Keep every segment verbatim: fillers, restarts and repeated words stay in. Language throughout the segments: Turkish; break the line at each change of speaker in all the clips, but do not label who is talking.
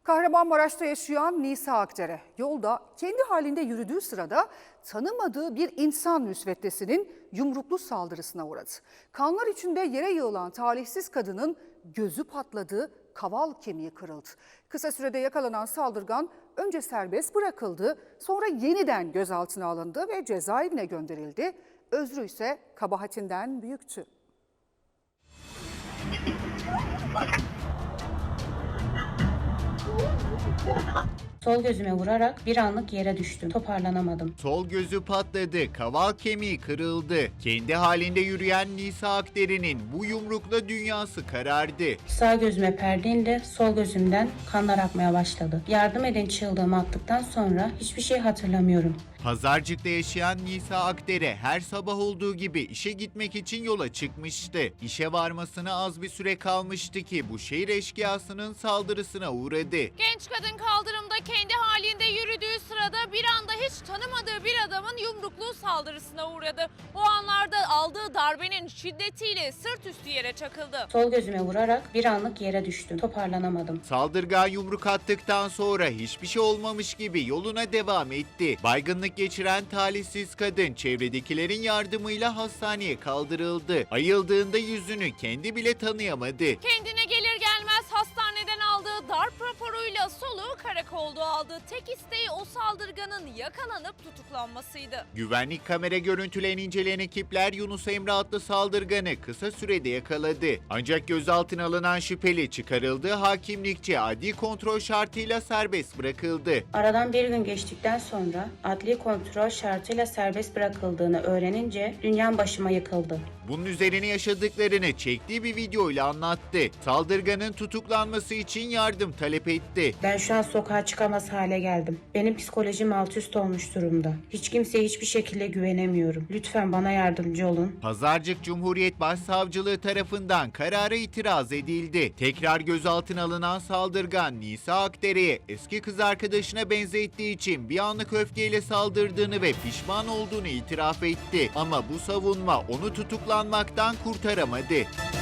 Kahramanmaraş'ta yaşayan Nisa Akdere yolda kendi halinde yürüdüğü sırada tanımadığı bir insan müsveddesinin yumruklu saldırısına uğradı. Kanlar içinde yere yığılan talihsiz kadının gözü patladı, kaval kemiği kırıldı. Kısa sürede yakalanan saldırgan önce serbest bırakıldı, sonra yeniden gözaltına alındı ve cezaevine gönderildi. Özrü ise kabahatinden büyüktü.
Sol gözüme vurarak bir anlık yere düştüm. Toparlanamadım.
Sol gözü patladı, kaval kemiği kırıldı. Kendi halinde yürüyen Nisa Akdere'nin bu yumrukla dünyası karardı.
Sağ gözüme perde indi, sol gözümden kanlar akmaya başladı. Yardım edin çığlığımı attıktan sonra hiçbir şey hatırlamıyorum.
Pazarcık'ta yaşayan Nisa Akdere her sabah olduğu gibi işe gitmek için yola çıkmıştı. İşe varmasına az bir süre kalmıştı ki bu şehir eşkıyasının saldırısına uğradı.
Genç kadın kaldırımda kendi halinde yürüdüğü sırada bir anda hiç tanımadığı bir adamın yumruklu saldırısına uğradı. O anlarda aldığı darbenin şiddetiyle sırt üstü yere çakıldı.
Sol gözüme vurarak bir anlık yere düştüm. Toparlanamadım.
Saldırgan yumruk attıktan sonra hiçbir şey olmamış gibi yoluna devam etti. Baygınlık geçiren talihsiz kadın çevredekilerin yardımıyla hastaneye kaldırıldı. Ayıldığında yüzünü kendi bile tanıyamadı.
Kendine gelir gelmez hastaneden aldığı darp raporuyla soluğu karakolda aldı. Tek isteği o saldırganın yakalanıp tutuklanmasıydı.
Güvenlik kamera görüntülerini inceleyen ekipler Yunus Emre adlı saldırganı kısa sürede yakaladı. Ancak gözaltına alınan şüpheli çıkarıldığı hakimlikçe adli kontrol şartıyla serbest bırakıldı.
Aradan bir gün geçtikten sonra adli kontrol şartıyla serbest bırakıldığını öğrenince dünyam başıma yıkıldı.
Bunun üzerine yaşadıklarını çektiği bir videoyla anlattı. Saldırganın tutuklanması için yardım talep etti.
Ben şu an sokağa çıkamaz hale geldim. Benim psikolojim alt üst olmuş durumda. Hiç kimseye hiçbir şekilde güvenemiyorum. Lütfen bana yardımcı olun.
Pazarcık Cumhuriyet Başsavcılığı tarafından karara itiraz edildi. Tekrar gözaltına alınan saldırgan Nisa Akdere'ye eski kız arkadaşına benzettiği için bir anlık öfkeyle saldırdığını ve pişman olduğunu itiraf etti. Ama bu savunma onu tutuklanmaktan kurtaramadı.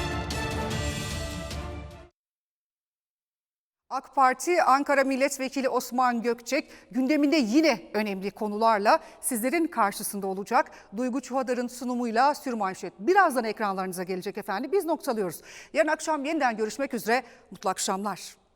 AK Parti Ankara Milletvekili Osman Gökçek gündeminde yine önemli konularla sizlerin karşısında olacak. Duygu Çuhadar'ın sunumuyla Sürmanşet birazdan ekranlarınıza gelecek efendim. Biz noktalıyoruz. Yarın akşam yeniden görüşmek üzere. Mutlu akşamlar.